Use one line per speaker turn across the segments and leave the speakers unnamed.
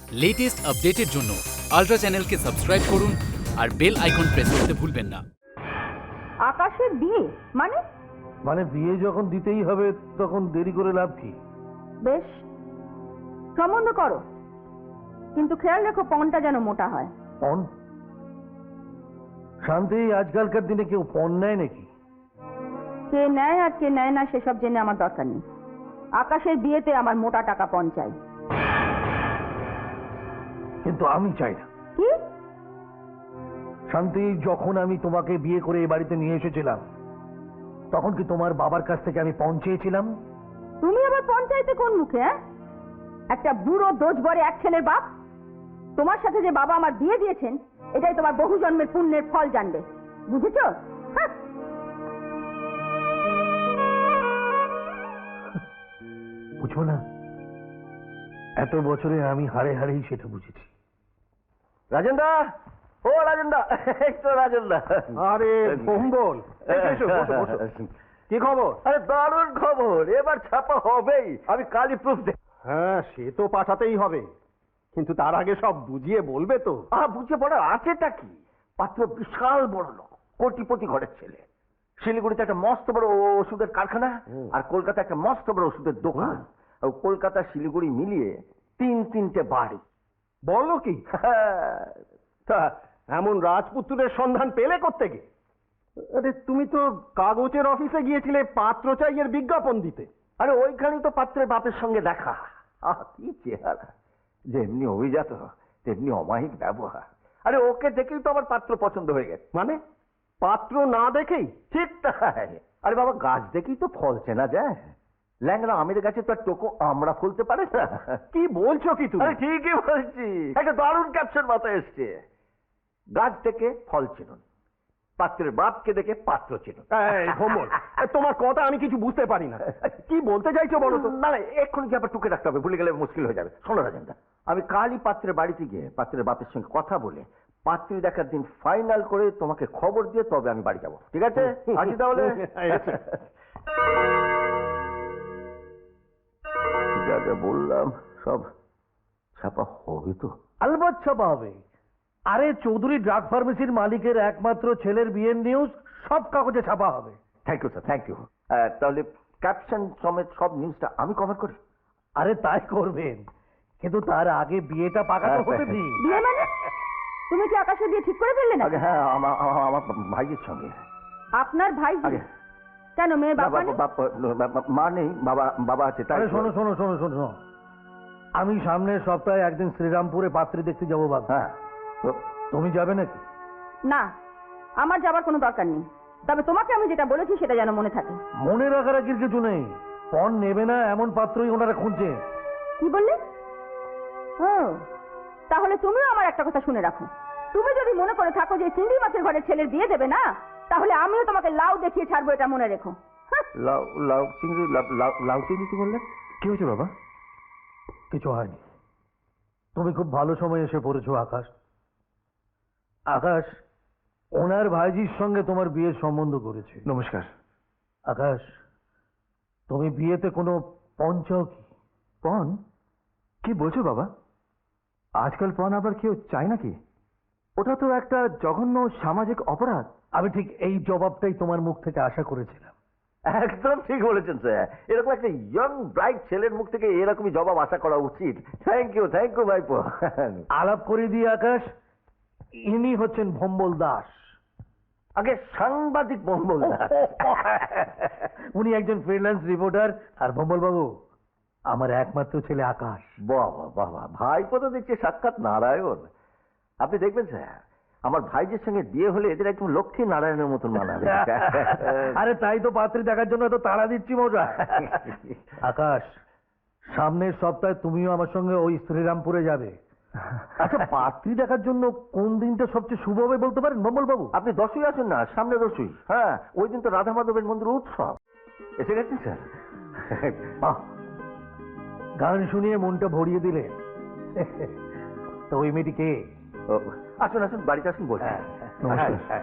Latest আপডেটের জন্য ultra চ্যানেলকে সাবস্ক্রাইব করুন আর বেল আইকন প্রেস করতে ভুলবেন না।
আকাশের বিয়ে মানে?
মানে বিয়ে যখন দিতেই হবে তখন দেরি করে লাভ কি?
বেশ, সম্বন্ধ করো, কিন্তু খেয়াল রেখো পণটা যেন মোটা হয়।
পণ? শান্তি, আজকালকার দিনে কেউ পণ নেয় নাকি?
কে নেয় আর কে নেয় না সেসব জেনে আমার দরকার নেই। আকাশের বিয়েতে আমার মোটা টাকা পণ চাই।
কিন্তু আমি চাই না।
কি?
শান্তি, যখন আমি তোমাকে বিয়ে করে এই বাড়িতে নিয়ে এসেছিলাম তখন কি তোমার বাবার কাছ থেকে আমি পণ চেয়েছিলাম?
তুমি আবার পণ চাইতে কোন মুখে? একটা বুড়ো দোষ বরে এক ছেলের বাপ। তোমার সাথে যে বাবা আমার বিয়ে দিয়েছেন এটাই তোমার বহু জন্মের পুণ্যের ফল জানবে, বুঝেছো? হ্যাঁ।
বুঝবো না? এত বছরে আমি হারে হারেই সেটা বুঝেছি।
রাজেন্দা, ও রাজেন্দা, এই তো রাজেন্দা।
আরে ভম্বল, এসো, বসো, বসো। কি খবর?
আরে দারুণ খবর, এবার ছাপা হবেই। আমি কালই প্রুফ
হ্যাঁ, সে তো পাঠাতেই হবে, কিন্তু তার আগে সব বুঝিয়ে বলবে তো।
বুঝে পড়ার আছেটা কি? পাত্র বিশাল বড় লোক, কোটিপতি ঘরের ছেলে। শিলিগুড়িতে একটা মস্ত বড় ওষুধের কারখানা, আর কলকাতা একটা মস্ত বড় ওষুধের দোকান। আর কলকাতা শিলিগুড়ি মিলিয়ে তিনটে বাড়ি।
বলো কি? তা এমন রাজপুত্রের সন্ধান পেলে কোত্থেকে? আরে তুমি তো কাগজের অফিসে গিয়েছিলে পাত্র চাই এর বিজ্ঞাপন দিতে।
আরে ওইখানেই তো পাত্রের বাপের সঙ্গে দেখা। কি চেহারা, যেমনি অভিজাত তেমনি অমায়িক ব্যবহার। আরে ওকে দেখেই তো আমার পাত্র পছন্দ হয়ে গেছে।
মানে পাত্র না দেখেই?
ঠিক তাই। আরে বাবা, গাছ দেখেই তো ফল চেনা যায়। ল্যাংড়া আমের গাছে তো আর টোকো আমরা ফলতে পারে না।
কি বলছো কি তুমি?
আরে ঠিকই বলছি, একটা দারুণ ক্যাপশন মাথায় এসছে। গাছ থেকে ফল চিনুন, পাত্রের বাপকে দেখে পাত্র চিনুন।
এই ভম্বল, তোমার কথা আমি কিছু বুঝতে পারি না। কি বলতে চাইছো বলো তো?
না না, এক্ষুনি কি আবার টুকে রাখতে হবে, ভুলে গেলে মুশকিল হয়ে যাবে। শোনো রাজেন্দা, আমি কালই পাত্রের বাড়িতে গিয়ে পাত্রের বাপের সঙ্গে কথা বলে পাত্রী দেখার দিন ফাইনাল করে তোমাকে খবর দিয়ে তবে আমি বাড়ি যাবো। ঠিক আছে? আসি তাহলে। যা যা বললাম সব ছাপা হবে তো?
আলবাত ছাপা হবে। আরে চৌধুরী ড্রাগ ফার্মেসির মালিকের একমাত্র ছেলের বিয়ের নিউজ সব কাগজে ছাপা হবে।
Thank you sir, thank you. তাহলে ক্যাপশন সমেত সব নিউজটা আমি কভার করি।
আরে তাই করবেন, কিন্তু তার আগে বিয়েটা পাকাতে হতে দিন।
বিয়ে মানে? তুমি কি আকাশের বিয়ে ঠিক করে ফেললে না?
আগে হ্যাঁ, আমার ভাইয়ের সঙ্গে।
আপনার ভাই?
আগে
কেন, মেয়ের বাবা নেই?
মা নেই, বাবা আছে। তাই
আরে শোনো শোনো শোনো শোনো, আমি সামনের সপ্তাহে একদিন শ্রীরামপুরে পাত্রী দেখতে যাবো বাবা।
হ্যাঁ,
তুমি যাবে নাকি?
না, আমার যাবার কোনো দরকার নেই। তবে তোমাকে আমি যেটা বলেছি সেটা যেন মনে থাকে।
মনে রাখার আর কিছু নেই। পণ নেবে না এমন পাত্রই ওনারা খুঁজছে।
কি বললে? ও, তাহলে তুমিও আমার একটা কথা শুনে রাখো। তুমি যদি মনে করে থাকো যে চিংড়ি মাছের ঘরে ছেলের বিয়ে দেবে না, তাহলে আমিও তোমাকে লাউ দেখিয়ে ছাড়বো, এটা মনে রেখো।
লাউ চিংড়ি? লাউ চিংড়ি কি বললে? কি হয়েছে বাবা?
কিছু হয়নি। তুমি খুব ভালো সময় এসে পড়েছো আকাশ। আকাশ, ওনার ভাইজির সঙ্গে তোমার বিয়ের সম্বন্ধ করেছে।
নমস্কার।
আকাশ, তুমি বিয়েতে কোনো পণ চাও কি?
পণ? কি বলছো বাবা? আজকাল পণ আবার কেউ চায় নাকি? ওটা তো একটা জঘন্য সামাজিক অপরাধ।
আমি ঠিক এই জবাবটাই তোমার মুখ থেকে আশা করেছিলাম।
একদম ঠিক বলেছেন স্যার। এরকম একটা ইয়ং ব্রাইট ছেলের মুখ থেকে এরকমই জবাব আশা করা উচিত। থ্যাংক ইউ ভাইপো।
আলাপ করে দিয়ে আকাশ, ইনি হচ্ছেন ভম্বল দাস।
আগে সাংবাদিক মহম্মল দাস।
উনি একজন ফ্রিল্যান্স রিপোর্টার। আর ভম্বল বাবু আমার একমাত্র ছেলে আকাশ।
বাবা বাবা, ভাইপো তো দেখছি সাক্ষাৎ নারায়ণ। আপনি দেখবেন স্যার, আমার ভাইদের সঙ্গে বিয়ে হলে এদের একদম লক্ষ্মী নারায়ণের মতন মানাবে।
আরে তাই তো পাত্রী দেখার জন্য এত তাড়া দিচ্ছি মজা। আকাশ, সামনের সপ্তাহে তুমিও আমার সঙ্গে ওই শ্রীরামপুরে যাবে। আচ্ছা, পাত্রী দেখার জন্য কোন দিনটা সবচেয়ে শুভ হবে বলতে পারেন ভম্বল বাবু?
আপনি 10ই আসুন না, সামনে 10ই। হ্যাঁ, ওই দিন তো রাধা মাধবের মন্দির উৎসব। এসে গেছেন স্যার?
বাহ, গান শুনিয়ে মনটা ভরিয়ে দিলে। তো ওই মেয়েটি কে?
আসুন আসুন, বাড়িতে আসুন, বলছি।
নমস্কার।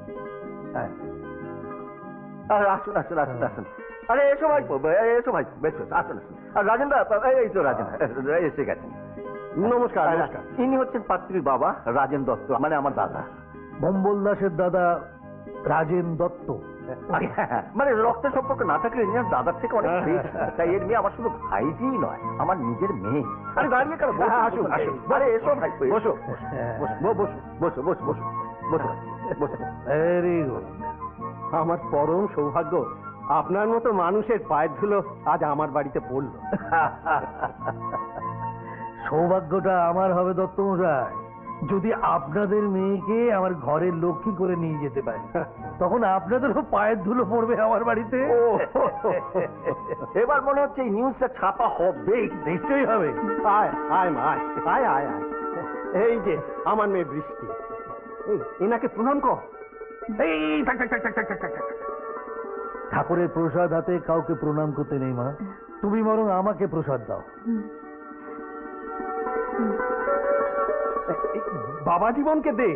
আসুন আসুন আসুন আসুন। আরে এসো ভাই, এসো ভাই, বেশ আসুন আসুন। আর রাজেন্দা, এই তো রাজেন্দা এসে গেছেন।
নমস্কার নমস্কার।
ইনি হচ্ছেন পাত্রীর বাবা রাজেন দত্ত, মানে আমার দাদা।
ভম্বল দাসের দাদা রাজেন দত্ত।
মানে রক্তের সম্পর্ক না থাকলে ইনি আমার দাদার থেকে অনেক বেশি। তাই এর মেয়ে আমার শুধু ভাইজিই নয়, আমার নিজের মেয়ে। আরে দাঁড়িয়ে কেন? বসুন, আসুন আসুন। আরে এসো ভাই, বসো বসো বসো বসো বসো বসো বসো।
Very good.
আমার পরম সৌভাগ্য আপনার মতো মানুষের পায়ের ধুলো আজ আমার বাড়িতে পড়ল।
সৌভাগ্যটা আমার হবে দত্ত মশাই, যদি আপনাদের মেয়েকে আমার ঘরের লক্ষ্মী করে নিয়ে যেতে পারে, তখন আপনাদেরও পায়ের ধুলো পড়বে আমার বাড়িতে।
ও, এবার মনে হচ্ছে এই নিউজটা ছাপা হবে।
নিশ্চয়ই হবে।
আয় আয় মা আয় আয় আয় আয়। এই যে আমার মেয়ে বৃষ্টি, এই এনাকে প্রণাম কর।
এই থাক, থাক, থাক, থাক, থাক, থাক, থাক, থাক। ঠাকুরের প্রসাদ হাতে কাউকে প্রণাম করতে নেই মা, তুমি বরং আমাকে প্রসাদ দাও।
এই বাবা জীবনকে দে।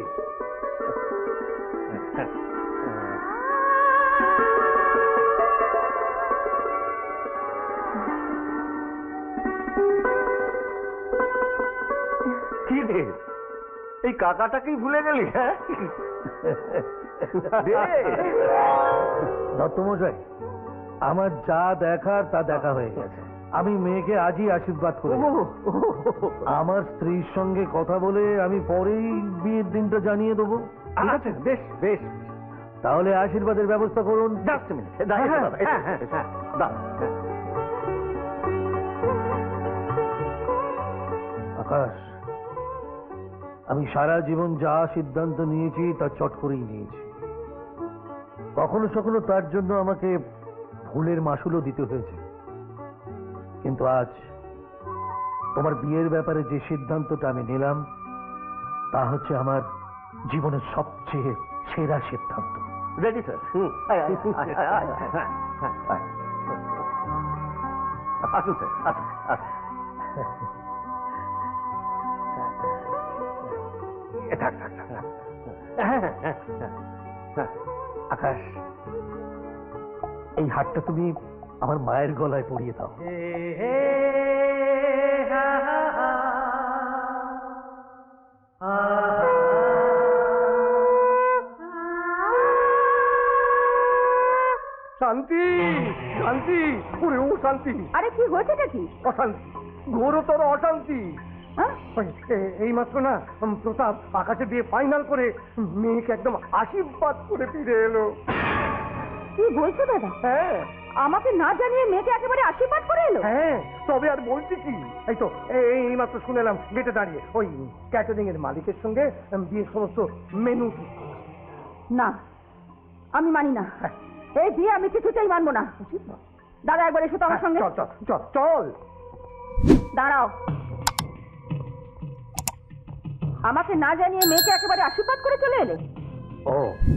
কি রে, এই কাকাটাকেই ভুলে গেলি? হ্যাঁ দে।
দত্ত মশাই, আমার যা দেখার তা দেখা হয়ে গেছে। আমি মেয়েকে আজই আশীর্বাদ করে দেব। আমার স্ত্রীর সঙ্গে কথা বলে আমি পরেই বিয়ের দিনটা জানিয়ে দেবো।
ঠিক আছে, বেশ বেশ।
তাহলে আশীর্বাদের ব্যবস্থা করুন।
জাস্ট মিনিট, দাঁড়িয়ে দাঁড়া, দাঁড়া।
আকাশ, আমি সারা জীবন যা সিদ্ধান্ত নিয়েছি তা চট করেই নিয়েছি। কখনো কখনো তার জন্য আমাকে ভুলের মাসুলও দিতে হয়েছে, কিন্তু আজ তোমার বিয়ের ব্যাপারে যে সিদ্ধান্তটা আমি নিলাম তা হচ্ছে আমার জীবনের সবচেয়ে সেরা সিদ্ধান্ত।
Ready sir? আসুন স্যার, আসুন আসুন। থাক থাক থাক।
আকাশ, এই হাতটা তুমি আমার মায়ের গলায় পরিয়ে দাও।
শান্তি শান্তি, ওরে ও শান্তি,
আরে কি হয়েছেটা কি?
অশান্তি, ঘোরতর অশান্তি।
হ্যাঁ?
এই মাত্র না প্রতাপ আকাশে দিয়ে ফাইনাল করে মেয়েকে একদম আশীর্বাদ করে ফিরে এলো।
কি বলছো দাদা?
হ্যাঁ
আমাকে না জানিয়ে মেয়েকে একেবারে আশীর্বাদ করে এলো?
হ্যাঁ, তবে আর বলছি কি, এই তো এই মাত্র শুনেলাম গেটে দাঁড়িয়ে ওই ক্যাটারিং এর মালিকের সঙ্গে বিয়ের সমস্ত মেনু ঠিক করছে।
না, আমি মানি না।
হ্যাঁ।
এই বিয়ে আমি কিছুতেই মানবো না।
উচিত না।
দাদা একবার এসো তো আমার সঙ্গে।
চল চল চল চল।
দাঁড়াও, আমাকে না জানিয়ে মেয়েকে একেবারে আশীর্বাদ করে চলে এলে?
ও,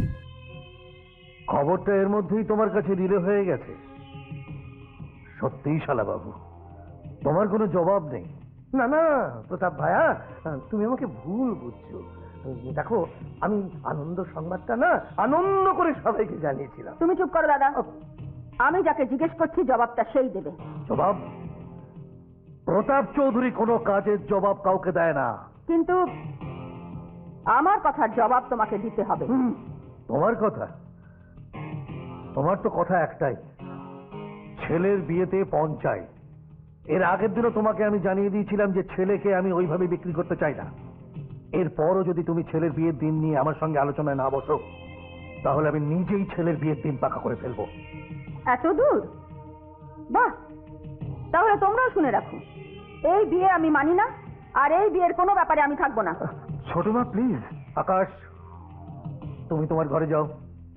খবরটা এর মধ্যেই তোমার কাছে রিলে হয়ে গেছে? সত্যিই শালা বাবু, তোমার কোনো জবাব নেই।
না না প্রতাপ ভাইয়া, তুমি আমাকে ভুল বুঝছো। দেখো, আমি আনন্দ সংবাদটা না আনন্দ করে সবাইকে জানিয়েছিলাম।
তুমি চুপ করো দাদা, আমি যাকে জিজ্ঞেস করছি জবাবটা সেই দেবে।
জবাব? প্রতাপ চৌধুরী কোনো কাজের জবাব কাউকে দেয় না।
কিন্তু আমার কথার জবাব তোমাকে দিতে হবে।
তোমার কথা? তোমার তো কথা একটাই, ছেলের বিয়েতে পঞ্চায়েত। এর আগের দিনও তোমাকে আমি জানিয়ে দিয়েছিলাম যে ছেলেকে আমি ওইভাবে বিক্রি করতে চাই না। এরপরও যদি তুমি ছেলের বিয়ের দিন নিয়ে আমার সঙ্গে আলোচনায় না বসো, তাহলে আমি নিজেই ছেলের বিয়ের দিন পাকা করে ফেলবো।
এত দূর? বাহ, তাহলে তোমরাও শুনে রাখো, এই বিয়ে আমি মানি না, আর এই বিয়ের কোনো ব্যাপারে আমি থাকবো না।
ছোট মা প্লিজ। আকাশ, তুমি তোমার ঘরে যাও।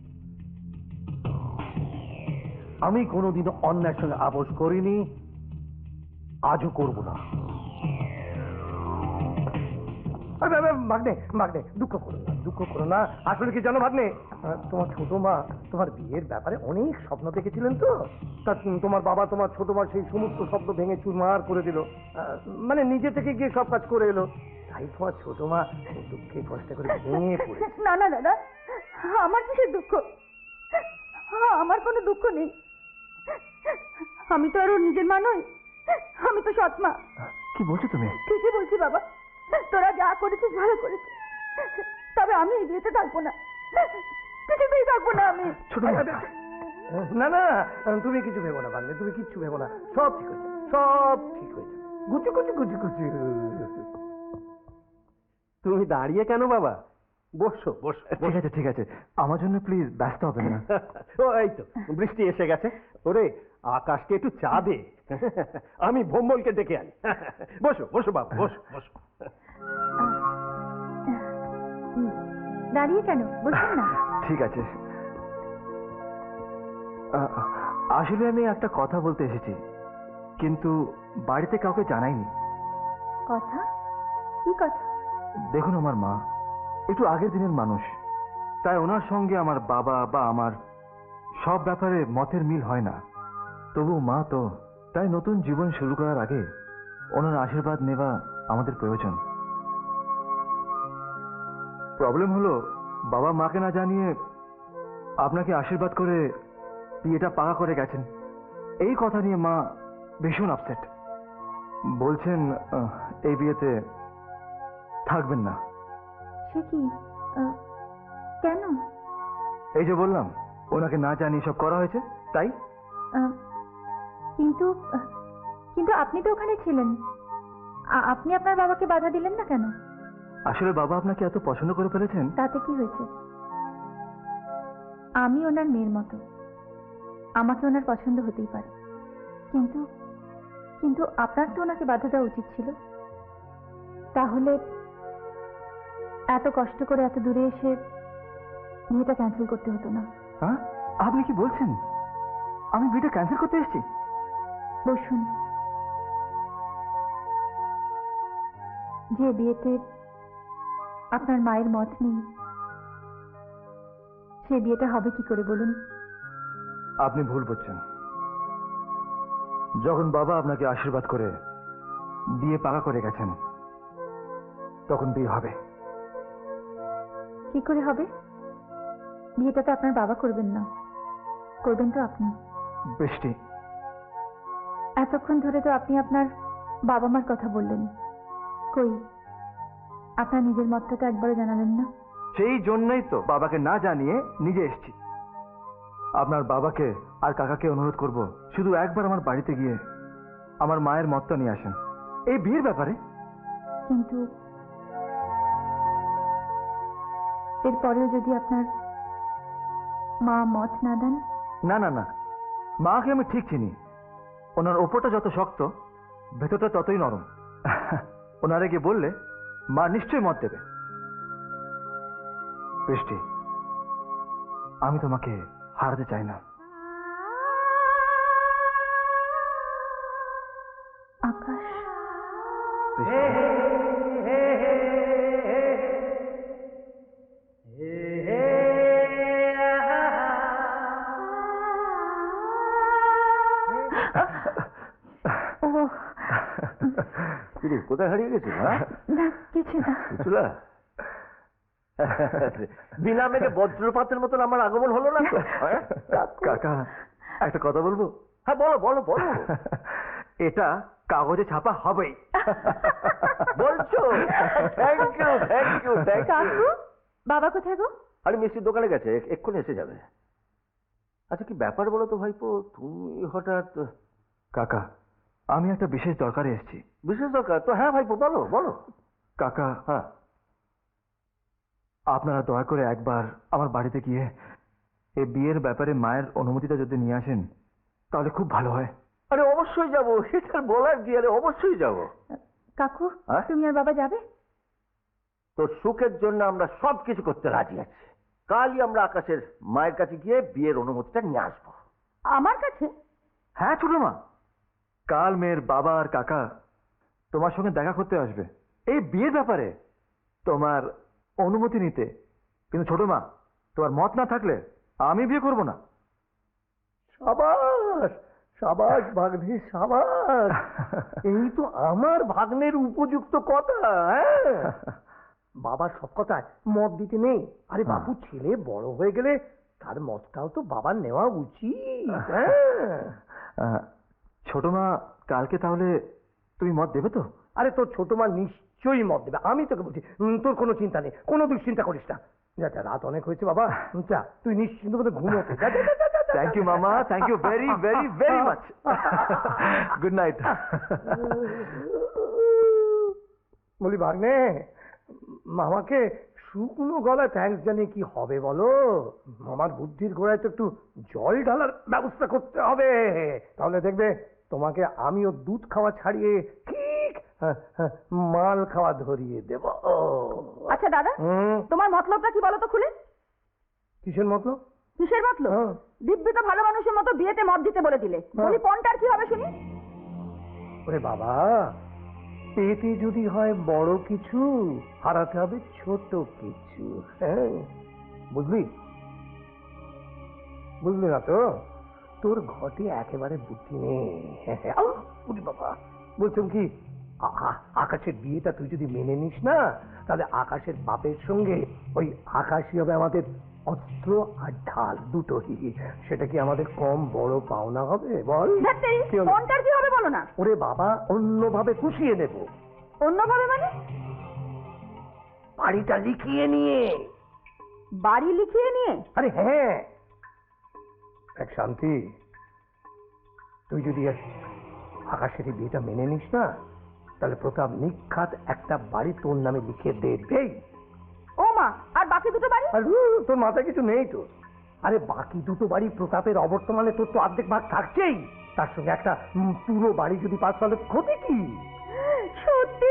আমি কোনোদিনও অন্যায়ের সঙ্গে আপোষ করিনি, আজও করব না।
ভাগ্নে ভাগ্নে, দুঃখ করো না, দুঃখ করো না। আসলে কি জানো ভাগ্নে, তোমার ছোট মা তোমার বিয়ের ব্যাপারে অনেক স্বপ্ন দেখেছিলেন তো। তা তোমার বাবা তোমার ছোট মা সেই সমস্ত স্বপ্ন ভেঙে চুরমার করে দিল। মানে নিজে থেকে গিয়ে সব কাজ করে এলো। তাই তোমার ছোট মা দুঃখে কষ্ট করে ভেঙে পড়ে।
না না দাদা, আমার কিসের দুঃখ? আমার কোনো দুঃখ নেই। আমি তো আরো নিজের মা নই, আমি তো সৎ মা।
কি বলছো তুমি?
ঠিকই বলছি বাবা, তোরা যা করেছিস ভালো করেছিস, তবে আমি এই বিয়েতে থাকবো না, কিছুতেই থাকবো না আমি।
ছোট
না না, তুমি কিছু ভেবো না ভাগ্নে, তুমি কিচ্ছু ভেবো না, সব ঠিক হয়েছে, সব ঠিক হয়েছে। গুচু গুচু গুচু গুচু।
তুমি দাঁড়িয়ে কেন বাবা? বসো বসো। ঠিক আছে, আমার জন্য প্লিজ ব্যস্ত হবে না।
ও এই তো বৃষ্টি এসে গেছে। ওরে আকাশকে একটু চা দে, আমি ভোম্বলকে ডেকে আনি। বসো বসো বাবা, বসো বসো।
দাঁড়িয়ে কেন, বলছেন না?
ঠিক আছে। আসলে আমি একটা কথা বলতে এসেছি, কিন্তু বাড়িতে কাউকে জানাইনি।
কথা? কি কথা?
দেখুন, আমার মা একটু আগের দিনের মানুষ, তাই ওনার সঙ্গে আমার বাবা বা আমার সব ব্যাপারে মতের মিল হয় না। তবু মা তো, তাই নতুন জীবন শুরু করার আগে ওনার আশীর্বাদ নেওয়া আমাদের প্রয়োজন। প্রবলেম হলো, বাবা মাকে না জানিয়ে আপনাকে আশীর্বাদ করে বিয়েটা পাকা করে গেছেন। এই কথা নিয়ে মা ভীষণ আপসেট। বলছেন এই বিয়েতে থাকবেন না।
সে কি? কেন?
এই যে বললাম, ওনাকে না জানিয়ে সব করা হয়েছে, তাই।
কিন্তু কিন্তু আপনি তো ওখানে ছিলেন, আপনি আপনার বাবাকে বাধা দিলেন না কেন?
আসলে বাবা আপনাকে এত পছন্দ করে ফেলেছেন।
তাতে কি হয়েছে? আমি ওনার মেয়ের মতো, আমাকে ওনার পছন্দ হতেই পারে, কিন্তু কিন্তু আপনার তো ওনাকে বাধা দেওয়া উচিত ছিল। তাহলে এত কষ্ট করে এত দূরে এসে বিয়েটা ক্যান্সেল করতে হতো না।
হ্যাঁ, আপনি কি বলছেন? আমি বিয়েটা ক্যান্সেল করতে এসেছি?
বসুন। যে বিয়েতে আপনার মায়ের মত নেই, সে বিয়েটা হবে কি করে বলুন?
আপনি ভুল করছেন। যখন বাবা আপনাকে আশীর্বাদ করে বিয়ে পাকা করে গেছেন, তখন বিয়ে হবে।
কি করে হবে? বিয়েটা তো আপনার বাবা করবেন না, করবেন তো আপনি।
বৃষ্টি,
এতক্ষণ ধরে তো আপনি আপনার বাবা মার কথা বললেন, কই আপনার নিজের মতটা তো একবারও জানালেন না।
সেই জন্যই তো বাবাকে না জানিয়ে নিজে এসেছি। আপনার বাবাকে আর কাকাকে অনুরোধ করব, শুধু একবার আমার বাড়িতে গিয়ে আমার মায়ের মতটা নিয়ে আসেন এই বিয়ের ব্যাপারে।
কিন্তু এরপরেও যদি আপনার মা মত না দেন?
না না না, মাকে আমি ঠিক চিনি। ওনার ওপরটা যত শক্ত, ভেতরটা ততই নরম। ওনারে গিয়ে বললে মা নিশ্চয়ই মত দেবে। বৃষ্টি, আমি তোমাকে হারাতে চাই না।
আকাশ, ও
কোথায় হারিয়ে গেছিল?
না, কিছু না।
বুঝলা, বিনা মেঘে বজ্রপাতের মতন আমার আগমন হলো না তো? হ্যাঁ?
কাকা, একটা কথা বলবো?
হ্যাঁ, বলো বলো বলো।
এটা কাগজে ছাপা হবেই।
বলছো? Thank you thank you thank you.
কাকু, বাবা কোথায় গো?
আরে মিষ্টির দোকানে গেছে, এক্ষুনি এসে যাবে। আচ্ছা, কি ব্যাপার বলো তো ভাইপো, তুমি হঠাৎ?
কাকা, আমি একটা বিশেষ দরকারে এসেছি।
বিশেষ দরকার তো? হ্যাঁ ভাইপো, বলো বলো।
কাকা,
হ্যাঁ,
আপনারা দয়া করে একবার আমার বাড়িতে গিয়ে এই বিয়ের ব্যাপারে মায়ের অনুমতিটা যদি নিয়ে আসেন, তাহলে খুব ভালো হয়।
আরে অবশ্যই যাবো, সেটা বলার কি? আরে অবশ্যই যাবো।
কাকু,
হ্যাঁ?
তুমি আর বাবা যাবে?
তোর সুখের জন্য আমরা সবকিছু করতে রাজি আছি। কালই আমরা আকাশের মায়ের কাছে গিয়ে বিয়ের অনুমতিটা নিয়ে আসবো।
আমার কাছে?
হ্যাঁ ছোট মা, কাল মেয়ের বাবা আর কাকা তোমার সঙ্গে দেখা করতে আসবে এই বিয়ের ব্যাপারে তোমার অনুমতি নিতে। কিন্তু ছোট মা, তোমার মত না থাকলে আমি বিয়ে করব না।
সাবাস সাবাস ভাগ্নে, সাবাস। এই তো আমার ভাগ্নের উপযুক্ত কথা। হ্যাঁ, বাবার সব কথায় মত দিতে নেই। আরে বাবু, ছেলে বড় হয়ে গেলে তার মতটাও তো বাবার নেওয়া উচিত। হ্যাঁ,
ছোট মা, কালকে তাহলে তুমি মত দেবে তো?
আরে তোর ছোট মা নিশ্চয়ই মত দেবে, আমি তোকে বলছি, তোর কোনো চিন্তা নেই, কোনো দুশ্চিন্তা করিস না। যা যা, রাত অনেক হয়েছে বাবা, যা তুই নিশ্চিন্ত মতো ঘুমোতে যা, যা, যা, যা, যা, যা।
থ্যাংক ইউ মামা, thank you very very very much. Good night.
বলি ভাগ্নে, মামাকে শুকনো গলায় থ্যাঙ্কস জানিয়ে কি হবে বলো? মামার বুদ্ধির ঘোড়ায় তো একটু জল ঢালার ব্যবস্থা করতে হবে, তাহলে দেখবে তোমাকে আমিও দুধ খাওয়া ছাড়িয়ে ঠিক মাল খাওয়া ধরিয়ে দেব।
আচ্ছা দাদা,
হুম,
তোমার মতলবটা কি বলো তো খুলে?
কিসের মতলব?
কিসের মতলব?
হ্যাঁ।
দিব্যি তো ভালো মানুষের মতো বিয়েতে মত দিতে বলে দিলে, বলি পণটার কি হবে শুনি?
ওরে বাবা, পেতে যদি হয় বড় কিছু, হারাতে হবে ছোট কিছু। হ্যাঁ, বুঝলি? বুঝলি না তো? তোর ঘটে একেবারে বুদ্ধি নেই। আউ, ওরে বাবা, বলছিলাম কি, আকাশের বিয়েটা তুই যদি মেনে নিস না, তাহলে আকাশের বাপের সঙ্গে ওই আকাশই হবে আমাদের অস্ত্র আর ঢাল দুটোই। সেটা কি আমাদের কম বড় পাওনা হবে বল?
ধ্যাত্তেরি,
কি হলো?
পণটার কি হবে বলো না?
ওরে বাবা, অন্যভাবে পুষিয়ে নেব,
অন্যভাবে মানে?
বাড়িটা লিখিয়ে নিয়ে।
বাড়ি লিখিয়ে নিয়ে?
আরে হ্যাঁ, এক শান্তি, তুই যদি আকাশের এই বিয়েটা মেনে নিস না, তাহলে প্রতাপ নিখাত একটা বাড়ি তোর নামে লিখে দেবেই।
ও মা, আর বাকি দুটো বাড়ি?
আর তোর মাথায় কিছু নেই তো? আরে বাকি দুটো বাড়ি প্রতাপের অবর্তমানে তোর তো অর্ধেক ভাগ থাকছেই, তার সঙ্গে একটা পুরো বাড়ি যদি পাস, তাহলে ক্ষতি কি?
সত্যি